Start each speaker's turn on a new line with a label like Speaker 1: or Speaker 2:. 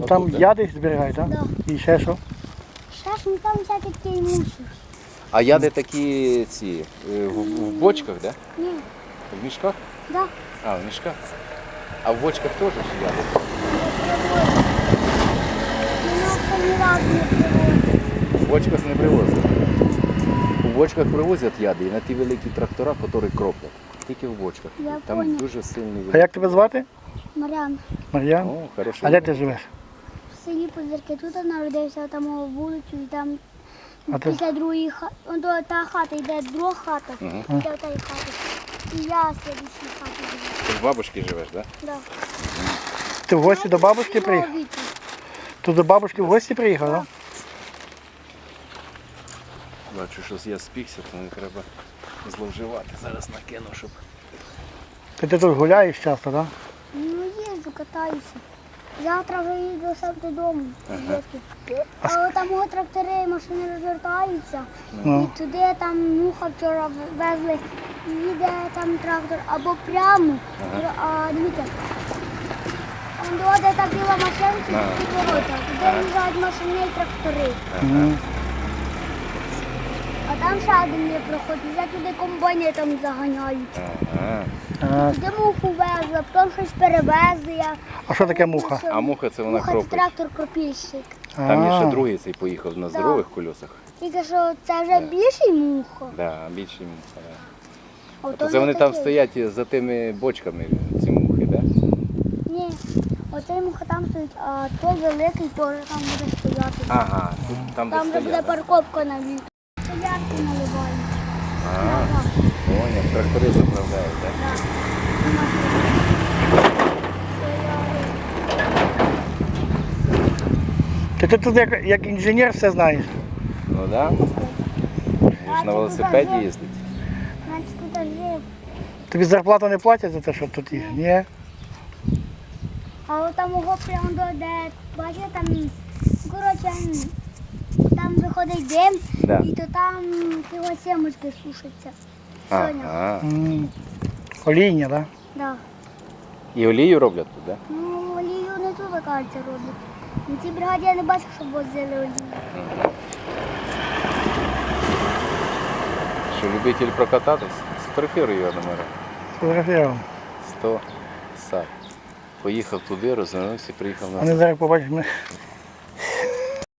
Speaker 1: Там
Speaker 2: Отут, да?
Speaker 1: яди зберігають, так?
Speaker 3: Да.
Speaker 1: І ще що?
Speaker 3: Ще ж ну, там всякий такий мусор.
Speaker 2: А яди такі ці в бочках, да?
Speaker 3: Ні,
Speaker 2: В мішках?
Speaker 3: да.
Speaker 2: А, в мішках. А в бочках теж ж яди?
Speaker 3: Мене ні разу не привозить.
Speaker 2: В бочках не привозять. У бочках привозять яди і на ті великі трактора, які кроплять. Тільки в бочках.
Speaker 3: Я
Speaker 2: Там
Speaker 3: понял.
Speaker 2: дуже сильний
Speaker 1: А як тебе звати?
Speaker 3: Мар'ян,
Speaker 1: Мар'ян?
Speaker 2: О, хорошо.
Speaker 1: А де ти живеш?
Speaker 3: в селі Позирки тут народився, там у вулицю, і там
Speaker 1: А ти?
Speaker 3: після другої хати, та хата йде друга хата, після тієї хати. І я в слідчій хаті живу.
Speaker 2: Ти в бабушки живеш, так?
Speaker 3: Да.
Speaker 1: Ти в гості до бабушки приїхав?
Speaker 3: Віку.
Speaker 1: Ти до бабушки в гості приїхав, так?
Speaker 2: Бачу, що я спікся, то не треба зловживати. Зараз накину, щоб...
Speaker 1: Ти тут гуляєш часто, так?
Speaker 3: Ну, їжджу, катаюся. Завтра вже їду сам додому. звідки. А от там от трактори, машини розвертаються.
Speaker 1: Ну.
Speaker 3: І туди там муха вчора везли, їде там трактор або прямо. А дивіться, он де та біла машинка, і ворота. Туди їжджають машини і трактори. А там ще один є проход, вже туди комбайни там заганяють.
Speaker 1: А,
Speaker 3: Туди муху везли, потім щось перевезли.
Speaker 1: а що таке муха?
Speaker 2: А муха це вона
Speaker 3: Муха це
Speaker 2: кропить.
Speaker 3: трактор-кропільщик.
Speaker 2: Там є ще
Speaker 1: А.
Speaker 2: другий цей поїхав на здорових колесах.
Speaker 3: Тільки що це вже більший муха.
Speaker 2: Да, більші муха. Да.
Speaker 3: А
Speaker 2: То
Speaker 3: то
Speaker 2: це
Speaker 3: не
Speaker 2: вони там
Speaker 3: такий.
Speaker 2: стоять за тими бочками, ці мухи, так?
Speaker 3: Ні, оцей муха там стоїть, а той великий теж там буде стояти.
Speaker 2: Ага, там де
Speaker 3: Там вже буде
Speaker 2: стоять. Да?
Speaker 3: парковка на літо. Стоянки наливають.
Speaker 2: А, поняв, трактори заправляють, так?
Speaker 1: Ти тут як інженер все знаєш.
Speaker 2: Ну так. Да. На велосипеді їздить.
Speaker 3: Значить, тут жив.
Speaker 1: Тобі зарплату не платять за те, що тут є? Ні?
Speaker 3: А от там його прямо до де, бачите, там, коротше, там виходить дим,
Speaker 2: Да.
Speaker 3: і то там його сімочки сушаться. Соня.
Speaker 2: Ага.
Speaker 1: Олійня, так?
Speaker 3: Да.
Speaker 2: І олію роблять тут, так?
Speaker 3: Ну, олію не тут, кажеться, роблять. На цій бригаді я не бачу, щоб возили олію.
Speaker 2: Що, любитель прокататись? Сфотографіруй його номера.
Speaker 1: Фотографував.
Speaker 2: 100 сад. Поїхав туди, розвернувся, приїхав
Speaker 1: А
Speaker 2: назад.
Speaker 1: не зараз побачиш,